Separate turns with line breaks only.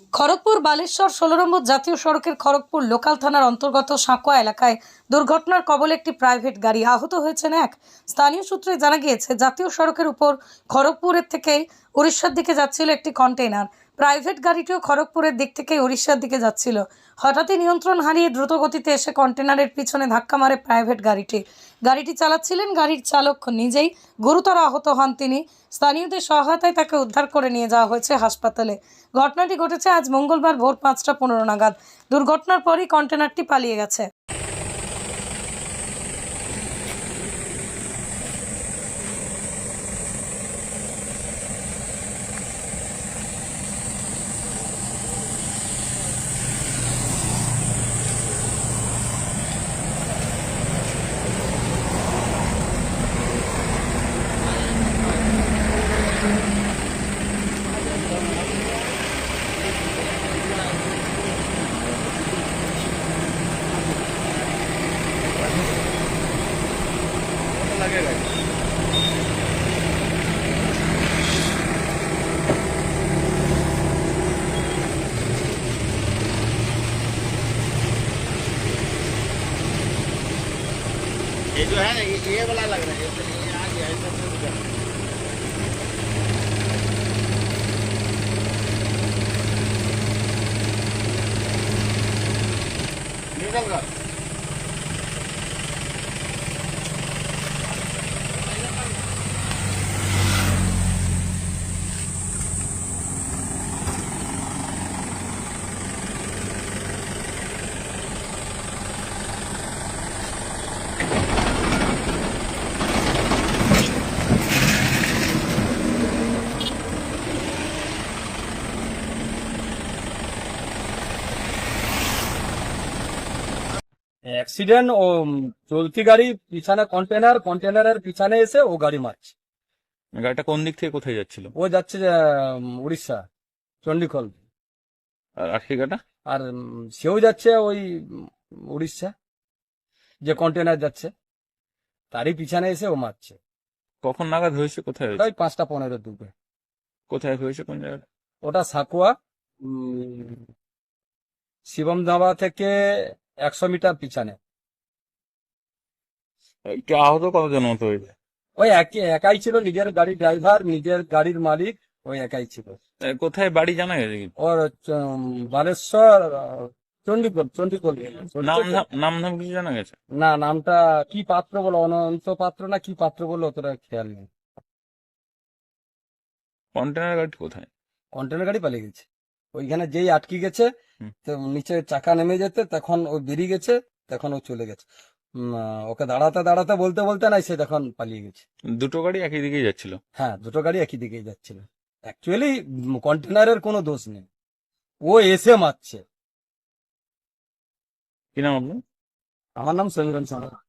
খড়গপুর বালেশ্বর ১৬ নম্বর জাতীয় সড়কের খড়গপুর লোকাল থানার অন্তর্গত সাঁকোয়া এলাকায় দুর্ঘটনার কবলে একটি প্রাইভেট গাড়ি। আহত হয়েছেন এক। স্থানীয় সূত্রে জানা গিয়েছে, জাতীয় সড়কের উপর খড়গপুরের থেকে উড়িষ্যার দিকে যাচ্ছিল একটি কন্টেইনার। প্রাইভেট গাড়িটিও খড়গপুরের দিক থেকে উড়িষ্যার দিকে যাচ্ছিল। হঠাৎই নিয়ন্ত্রণ হারিয়ে দ্রুত গতিতে এসে কন্টেইনারের পিছনে ধাক্কা মারে প্রাইভেট গাড়িটি। গাড়িটি চালাচ্ছিলেন গাড়ির চালক নিজেই, গুরুতর আহত হন তিনি। স্থানীয়দের সহায়তায় তাকে উদ্ধার করে নিয়ে যাওয়া হয়েছে হাসপাতালে। ঘটনাটি ঘটেছে আজ মঙ্গলবার ভোর ৫টা ১৫ নাগাদ। দুর্ঘটনার পরই কন্টেনারটি পালিয়ে গেছে।
ये जो है ये वाला लग रहा है, ये आ गया इधर से उधर। निकल गया।
অ্যাক্সিডেন্ট ও চলতি গাড়ি পিছনে কন্টেনারের পিছনে এসে ও গাড়ি মারছে।
গাড়িটা কোন দিক থেকে কোথায় যাচ্ছিল?
ও যাচ্ছে উড়িষ্যা, চণ্ডীখোল।
আর আশিকাটা?
আর সেও যাচ্ছে ওই উড়িষ্যা, যে কন্টেনার যাচ্ছে তারই পিছনে এসে ও মারছে।
কখন নাগাদ হয়েছে? কোথায় হয়েছে?
ওই ৫টা ১৫ দুপুরে।
কোথায় হয়েছে? কোন জায়গায়?
ওটা সাকুয়া, শিবম ধাবা থেকে ১০০ মিটার পিছনে।
একটু আহত কতজন মতো হয়েছে?
ওই একাই ছিল, নিজের গাড়ির ড্রাইভার, নিজের গাড়ির মালিক, ওই একাই ছিল।
কোথায় বাড়ি জানা গেছে কি?
ওর বালেশ্বর, চণ্ডীখোল।
নাম ধাম কিছু জানা গেছে?
না, নামটা কি পাত্র বলো, অনন্ত পাত্র না কি পাত্র বলো, অতটা খেয়াল নেই।
কন্টেনার গাড়ি কোথায়?
কন্টেনার গাড়ি পালিয়ে গেছে। ওইখানে যেই আটকে গেছে, তো নিচে চাকা নেমে যেতে তখন ও বেরিয়ে গেছে, তখন ও চলে গেছে। ওকে দাঁড়াতে দাঁড়াতে বলতে বলতে নাই, সে তখন পালিয়ে গেছে।
দুটো গাড়ি একই দিকেই যাচ্ছিল?
হ্যাঁ, দুটো গাড়ি একই দিকেই যাচ্ছিল। অ্যাকচুয়ালি কন্টেনারের কোনো দোষ নেই, ও এসে মারছে।
কি নাম আপনার?
আমার নাম সমীরণ সাহা।